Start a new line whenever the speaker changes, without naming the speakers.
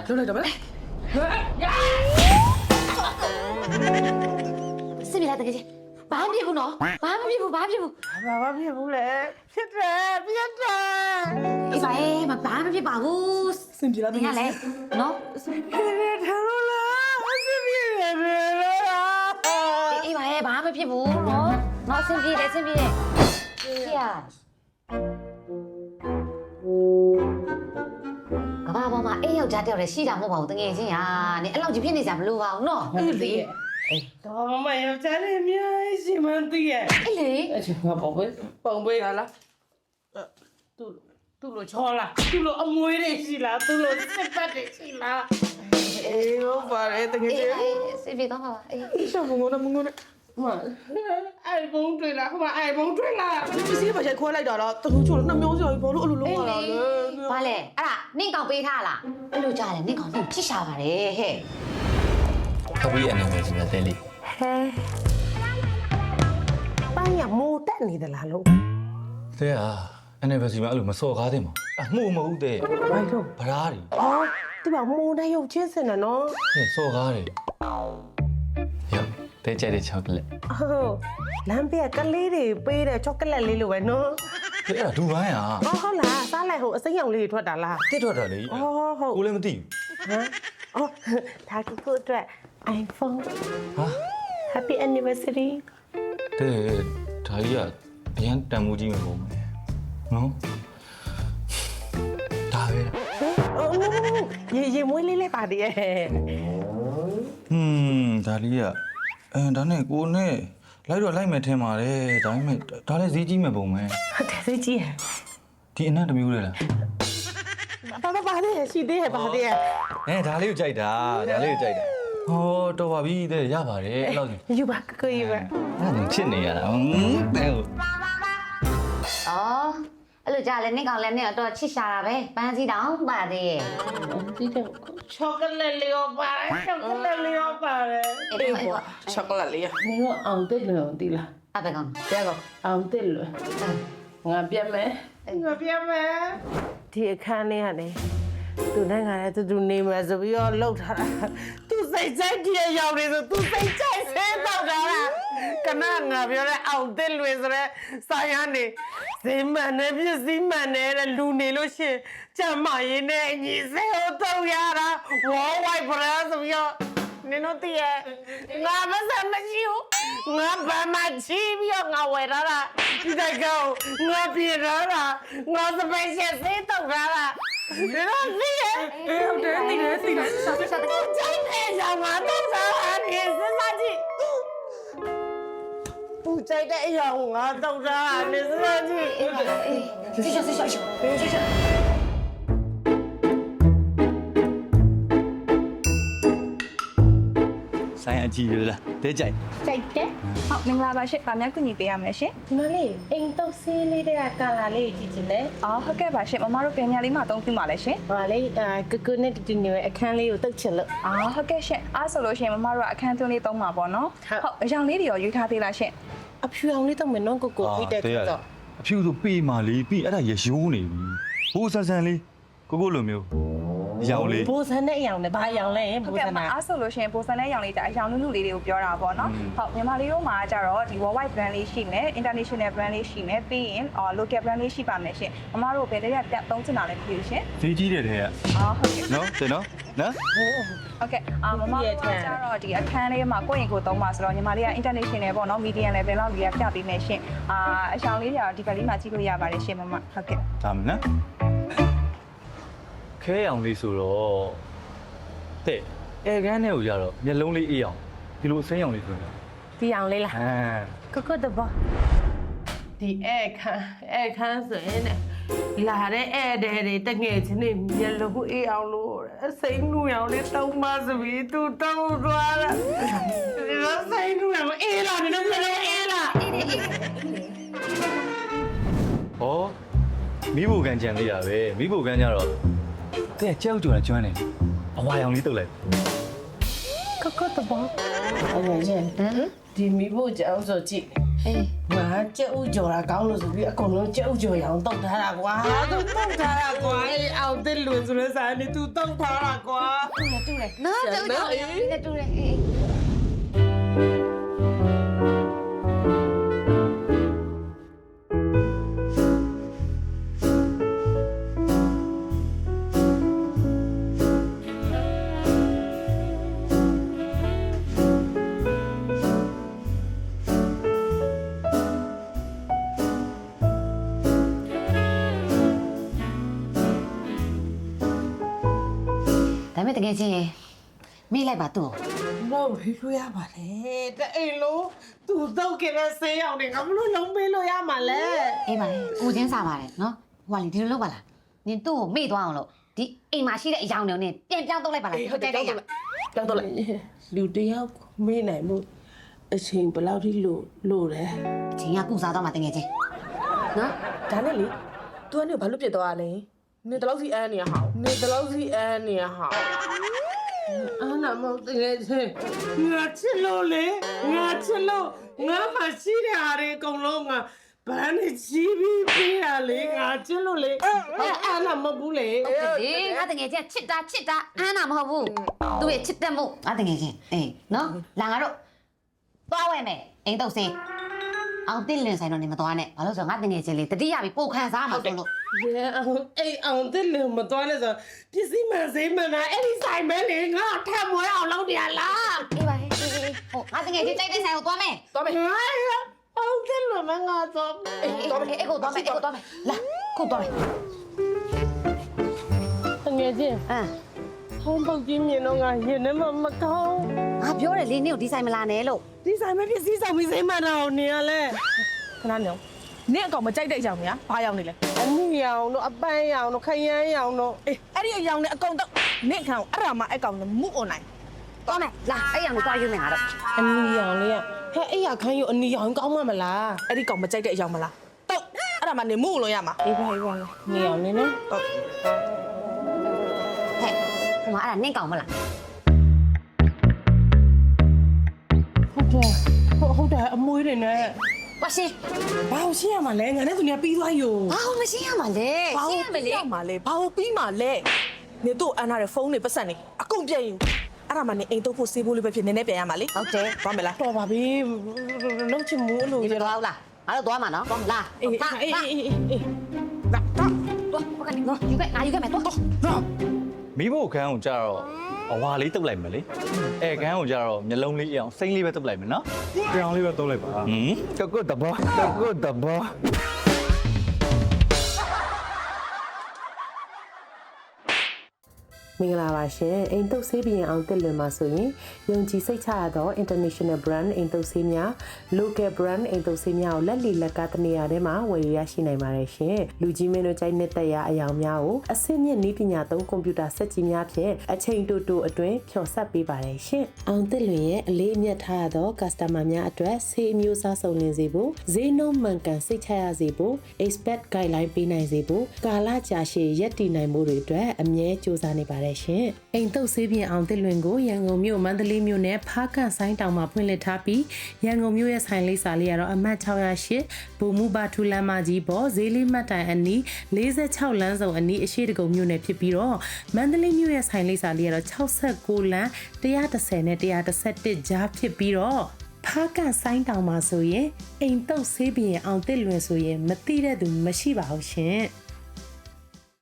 လွတ်လိုက်တော့မလား
စင်ပြလာတကယ်ချင်းဘာမှမဖြစ်ဘူးနော်ဘာမှမဖြစ်ဘူးဘာမှမဖြစ်ဘူး
ဘာဖြစ်ဘူးလဲဖြစ်တယ်ဖြစ်တယ်
အေးပါအေးမဘာမှမဖြစ်ပါဘူး
စင်ပြေလာတ
ဒီ
က
က
ယ်
လည်းနော်
စင်ပြေတယ်ထားလို့လားစင်ပြေတယ်လား
အေးပါအေးဘာမှမဖြစ်ဘူးနော်စင်ပြေတယ်ဖေကဘာပေါ်မှာအေးယောက်ျားတယောက်တည်းရှိတာမဟုတ်ပါဘူးတကယ်ချင်းဟာနင်အဲ့လောက်ကြီးဖြစ်နေကြမလို့ပါဘူးနော်
အေးလေတော့မယောက်ျားလေးများရှိမှန်းသိရဲ့
အေးလေ
အဲ့ဒီငါပုံပေးရလားသူ့လိုချောလားသူ့လိုအမွေးတွေရှိလားသူ့လိုစစ်ပတ်တွေရှိလားအေးဟုတ်ပါတယ်တကယ်
အေး
ကြီး
အေးစင်ပြေတော့ပါအေး
ရှောင်းမငုံနဲ့မအိုင်ဖုန်းတွေ့လားဟိုမှာအိုင်ဖုန်းတွေ့လားပစ္စည်းပါရိုက်ခွဲလိုက်တာလားတခုချို့နှမျိုးစရာဘာလို့အဲ့လိုလုပ်ရတာလဲ
ဘာလဲအဲ့ဒါနင့်ကောင်ပေးထားလားအဲ့လိုကြားတယ်နင့်ကောင်နင့်ချစ်ရှာပါတယ်ဟဲ့
ခပီးအနေနဲ့စီမံသေးလေး
ဟဲပိုင်းရမိုးတက်နေသလားလို့
တဲ့ဟာ anniversary မှာအဲ့လိုမစော်ကားသင့်ပါအမှုမဟုတ်တဲ့
ဘာလို့
ဗရားတွေ
အော်ဒီမှာမိုးနဲ့ရုပ်ချင်းစင်တယ်နော်
ဟဲ့စော်ကားတွေရောတဲ့ကြိုက်တဲ့ချောကလက်
ဟုတ်လမ်းပြကလေးတွေပေးတဲ့ချောကလက်လေးလိုပဲနော်
တဲ့အဲ့ဒါဒူပိုင်းဟာ
ဟုတ်လားစားလိုက်ဟိုအစိမ်းရောင်လေးတွေထွက်တာလား
တစ်ထွက်တာလေ
အော်ဟုတ်
ကိုလည်းမသိ
ဟမ်အော်ဒါကကိုအတွက် iPhone
ဟာ
Happy anniversary
တဲ့ဒါကြီးကအရန်တန်မိုးကြီးမှာပုံမယ်နော်ဒါပဲ
ရေမွေးလေးလေးပါတည်းရဲ့
ဒါလေးကဒါနဲ့ကိုနဲ့လိုက်တော့လိုက်မယ်ထင်ပါတယ်ဒါပေမဲ့ဒါလည်းဈေးကြီးမှာပုံမယ်
ဟုတ်တယ်သိကြည့်
ဒီအနံ့တစ်မျိုးလေလား
ပါတည်းရှိသေးရဲ့ပါတည်းရဲ့
ဒါလေးကိုကြိုက်တာဒါလေးကိုကြိုက်တာဟောတော်ပါပြီတဲ့ရပါတယ်အဲ့လောက်ကြီး
ယူပါကိုယူပါ
အဲ့ဒါချစ်နေရတာတဲ့ဟုတ်
အော်အဲ့လိုကြားလဲနင့်ကောင်လည်းနင့်တော့ချစ်ရှာတာပဲပန်းစည်းတောင်ပါသေးရဲ့
ဒီတော့ချောကလက်လေးရောပါတယ်ချောကလက်လေးရောပါတယ်အေးကွာချောကလက်လေးရောနင်တို့အောင်တက်လို့ဒီလား
အဘကောင်
တဲ့ကောအောင်တက်လို့ငါပြတ်မယ်ဒီအခန်းလေးကနေသူနဲ့ငါနဲ့တူနေမယ်ဆိုပြီးတော့လှုပ်ထားတာသူစိတ်ဆိုင်တည်းရောက်နေဆိုသူစိတ်ဆိုင်ဆင်းတော့တာကနငါပြောတဲ့အောင်တက်လွင်ဆိုတဲ့ဆိုင်ရနေဈေးမှန်နဲ့ပစ္စည်းမှန်နဲ့လူနေလို့ရှင်ကြမ်းမရင်းနဲ့အညီစေတော့ရတာဝေါ်ဝိုက်ဘရာဆိုပြီးတော့နင်တို့တည်းငါမစမရှိဘူးငါဘာမှချီပြီးတော့ငါဝယ်ထားတာဒီတိုင်းကောငါပြေထားတာငါစပယ်ရှယ်စေးတော့ထားတာဒီတော့သိရဲ့ဟုတ်တယ်သိတယ်
ရှာတကယ်
ကြိုက်တယ်ရောင်ငါတော့စားနေစစကြည့်ဦးကြိုက်တဲ့အရောင်ငါတော့စားနေစစကြည့်
အေးရှာရှာ
ဆိုင်အကြည့်ရလားတဲ့ကြိုက်
ကြိုက်တယ်ဟုတ်မင်္ဂလာပါရှင်ဗာမြတ်ကူညီပေးရမယ်ရှင်
ဒီမလေးအိမ်တော့ဆေးလေးတဲ့ကာလာလေးကြည့်ချင်တယ်
အော်ဟုတ်ကဲ့ပါရှင်မမတို့ပြန်ညာလေးမှာအသုံးပြုပါလဲရှင်
ဟာလေကကုနဲ့တူနေအခန်းလေးကိုတုတ်ချင်လို့
အော်ဟုတ်ကဲ့ရှင်အားဆိုလို့ရှင်မမတို့ကအခန်းသွင်းလေးသုံးပါပေါ့နော်ဟုတ်အရောင်လေးတွေရောယူထားသေးလားရှင်
အဖြူအောင်လေးတော့မယ်နော်ကိုပြီးတဲ့တော့
အဖြူဆိုပေးမာလေးပြီးအဲ့ဒါရရိုးနေပြီဘိုးဆန်ဆန်လေးကိုလိုမျိုးရောင်လေး
ဘိုးစန်းတဲ့အရောင်နဲ့ဘာအရောင်လဲ
ဟုတ်
ဘိုး
ကဲ့
စန်း
ပါ
က
အားဆိုလို့ရှင်ပိုစံတဲ့အရောင်လေးဒါအရောင်လူလူလေးတွေကိုပြောတာပေါ့နော်ဟုတ်မြန်မာလေးတို့မှာကျတော့ဒီ worldwide brand လေးရှိမယ် international brand လေးရှိမယ်ပြီးရင်local brand လေးရှိပါမယ်ရှင်မမတို့ဘယ်တည်းကတက်သုံးချင်တာလဲမသိဘူးရှင်
ဈေးကြီးတဲ့တဲ့က
အော်ဟုတ်ကဲ့
နော်တဲ့နော်နော်
ဟုတ်ကဲ့မမတို့ကကျတော့ဒီအခန်းလေးမှာကိုယ့်ရင်ကိုယ်သုံးပါဆိုတော့ညီမလေးက international ပေါ့နော် medium level လောက်ကြီးပြပေးမယ်ရှင်အရှောင်းလေးတွေကတော့ဒီဘက်လေးမှာကြည့်လို့ရပါတယ်ရှင်မမဟုတ်ကဲ့
ဒါမနော်ခဲအောင်လေးဆိုတော့တဲ့အဲကန်းထဲကိုကြတော့မျက်လုံးလေးအေးအောင်ဒီလိုအစိမ်းအောင်လေးဆိုရင်
ဒီအောင်လေးလား
ဟမ်
ကတဘောဒီအခန်းဆိုရင်လာတဲ့ဧည့်သည်တွေတငယ်ချင်းတွေမျက်လုံးအေးအောင်လို့အစိမ်းနူအောင်လေးတောင်းပါစပြီးသူတောင်းသွားတာဒီလိုစိမ်းနူအောင်အေးလာတယ်မျက်လုံးအေးလာ
ဟောမိဖို့ကန်ကြံလေးရပဲမိဖို့ကန်ကြတော့တဲ့ကြောက်ကြွတယ်ကျွမ်းတယ်အဝါရောင်လေးတုတ်လိုက်က
တဘောအဲ့ဒါချင်းဒီမိဖို့ကြောင်ဆိုကြည့်
အေး
ငါကြက်ဥကြော်တာကောင်းလို့ဆိုပြီးအကုန်လုံးကြက်ဥကြော်ရအောင်တောက်ထားတာကွာသူတောက်ထားတာကွာအဲ့အောင်တဲ့လွင်ဆိုတဲ့ဆိုင်နေသူတောက်ထားတာကွာ
တူတယ်နော်တူတယ်အေးဒါမဲ့တကယ်ချင်းမေးလိုက်ပါသူ့
တော့ဖေးလို့ရပါလေတဲ့အိမ်လို့သူတောက်ခဲ့တဲ့ဆေးရောက်နေငါမလို့လုံးပေးလို့ရမှာလဲ
အေးပါလေကိုချင်းစားပါတယ်နော်ဟိုကလေဒီလိုလုပ်ပါလားနင်သူ့ကိုမေ့သွားအောင်လို့ဒီအိမ်မှာရှိတဲ့အယောင်တွေနဲ့ပြန်ပြောင်းတော့လိုက်ပါလားဟုတ်တယ်ဟုတ်
တောက်တော့လိုက်လူတယောက်မေးနိုင်မှုအချိန်ဘယ်လောက်ထိလို့တယ်
အချင်းကကုစားတော့မှတကယ်ချင်းနော်
ဒါနဲ့လေ तू ကနေဘာလို့ပြစ်သွားရလဲနင်တလောက်စီအန်းနေရဟောင်း
နေတလို့စီအန်းနေရဟာအာနာမဟုတ်တယ်ချင်းငါချစ်လို့လေငါချစ်လို့ငါမရှိတဲ့ဟာတွေအကုန်လုံးငါဘန်းနဲ့ချီးပြီးပေးရလေငါချစ်လို့လေအာနာမဟုတ်ဘူးလေ
အေးငါတကယ်ချင်းချစ်တာအမ်းတာမဟုတ်ဘူးသူ့ရဲ့ချစ်တဲ့မို့ငါတကယ်ချင်းအေးနော်လာငါတို့သွားဝဲမယ်အိမ်တော့စင်းအောင်တင်လင်းဆိုင်တော့နေမသွားနဲ့ဘာလို့ဆိုတော့ငါတကယ်ချင်းလေတတိယပြီးပို့ခန်းစားမှာဆိုလို့
ရဲအောင်အိမ်အောင်တဲ့လေမတော်နဲ့ဆိုပစ္စည်းမှန်စိမ့်မှန်တာအဲ့ဒီဆိုင်ပဲလေငါထပ်မွေးအောင်လုပ်နေရလား
အေးပါဟဲ့ဟိုငါတကယ်ချင်းတိုက်တဲ့ဆိုင်ကိုသွားမယ်
သွားမယ်
ငါအောင်တဲ့လေမငါတော့
အေးသွားမယ်အေးကိုသွားမယ်လာခုသွားမယ်
ငယ်ချင်း
အမ်
ဟောင်းပုတ်ကြီးမြင်တော့ငါရင်ထဲမှာမကောင်း
ငါပြောတယ်လေနင့်ကိုဒီဆိုင်မလာနဲ့လို့
ဒီဆိုင်မပစ္စည်းဆောင်ပြီးစိမ့်မှန်တော့နေရလဲ
ခဏနေအောင်နင်အကောင်မကြိုက်တဲ့အကြောင်းများဘာရောက်နေလဲ
အနည်းရောင်တို့အပန်းရောင်တို့ခရမ်းရောင်တို့
အေးအဲ့ဒီအယောင်နဲ့အကောင်တော့နင်ခံအဲ့ဒါမှအဲ့ကောင်နဲ့မူအွန်လိုက်
သွားမယ်လာအဲ့ရံကိုသွားယူမယ်ငါတို့
အနည်းရောင်လေးကဟဲ့အဲ့ရခန်းယူအနည်းရောင်ကောင်းမှမလား
အဲ့ဒီကောင်မကြိုက်တဲ့အယောင်မလားတော့အဲ့ဒါမှနင်မူလို့ရမှာ
အေးပါနေရောင်နေနော်
တော့
ဟဲ့ဟိုမှာအဲ့ဒါနင့်ကောင်မလား
ဟုတ်တယ်အမွေးတွေနဲ့
ဝါရှင်
ဘာလို့ရှင်းရမှာလဲငါနဲ့သူနေပြီးသွားယူ
ဘာလို့မရှင်းရမှာလဲရှင်းရမယ်လေ
ဘာမှလဲဘာလို့ပြီးမှလဲနင်တို့အန်းထားတဲ့ဖုန်းတွေပတ်စံနေအကုန်ပြည့်ယူအဲ့ဒါမှနင်အိမ်တော့ဖို့စေးဖို့လေးပဲဖြစ်နည်းနည်းပြန်ရမှာလေ
ဟုတ်တယ်
သွားမယ်လား
တော်ပါပြီလုံးချင်မှုလို့
ဒီလိုတော့လားငါတို့သွားမှာနော်လာ
အေး
လာ
အေး
လာ
အေးအေး
တော့
သွားဟိုကနေနော်ယူခဲ့ငါယူခဲ့မယ်သွား
မိဖို့ခန်းကိုကြတော့အဝါလေးတုပ်လိုက်မယ်လေအဲခန်းကိုကြတော့မျက်လုံးလေးအောင်စိမ့်လေးပဲတုပ်လိုက်မယ်နော်
ပြောင်းလေးပဲသုံးလိုက်ပါ
ဟမ်
တကုတ်တဘော
မင်္ဂလာပါရှင်အိမ်တုပ်ဆေးပြင်အောင်တက်လွင်မှာဆိုရင်ယုံကြည်စိတ်ချရသော international brand အိမ်တုပ်ဆေးများ local brand အိမ်တုပ်ဆေးများကိုလက်လီလက်ကတနေရာထဲမှာဝယ်ရရှိနိုင်ပါတယ်ရှင်လူကြီးမင်းတို့ကြိုက်နေတဲ့ရာအယောင်များကိုအဆင့်မြင့်နည်းပညာသုံးကွန်ပျူတာစက်ကြီးများဖြင့်အချိန်တိုတိုအတွင်းဖြော်ဆက်ပေးပါတယ်ရှင်အောင်တက်လွင်ရဲ့အလေးအမြတ်ထားရသော customer များအတွက်ဆေးအမျိုးအစားစုံလင်စေဖို့ဈေးနှုန်းမှန်ကန်စိတ်ချရစေဖို့ expert guideline ပေးနိုင်စေဖို့ကာလကြာရှည်ရပ်တည်နိုင်မှုတွေအတွက်အမြဲစူးစမ်းနေပါတယ်ရှင်အိမ်တုပ်ဆေးပြင်အောင်တက်လွင်ကိုရန်ကုန်မြို့မန္တလေးမြို့နဲ့ဖားကန့်ဆိုင်းတောင်မှာဖွင့်လှစ်ထားပြီးရန်ကုန်မြို့ရဲ့ဆိုင်လေးစာလေးကတော့အမှတ်608ဘူမူဘာထူလမ်းမကြီးပေါ်ဈေးလေးမှတ်တိုင်အနီး46လမ်းစုံအနီးအရှိတကုံမြို့နယ်ဖြစ်ပြီးတော့မန္တလေးမြို့ရဲ့ဆိုင်လေးစာလေးကတော့69လမ်း130နဲ့131ကြားဖြစ်ပြီးတော့ဖားကန့်ဆိုင်းတောင်မှာဆိုရင်အိမ်တုပ်ဆေးပြင်အောင်တက်လွင်ဆိုရင်မသိတဲ့သူမရှိပါဘူးရှင်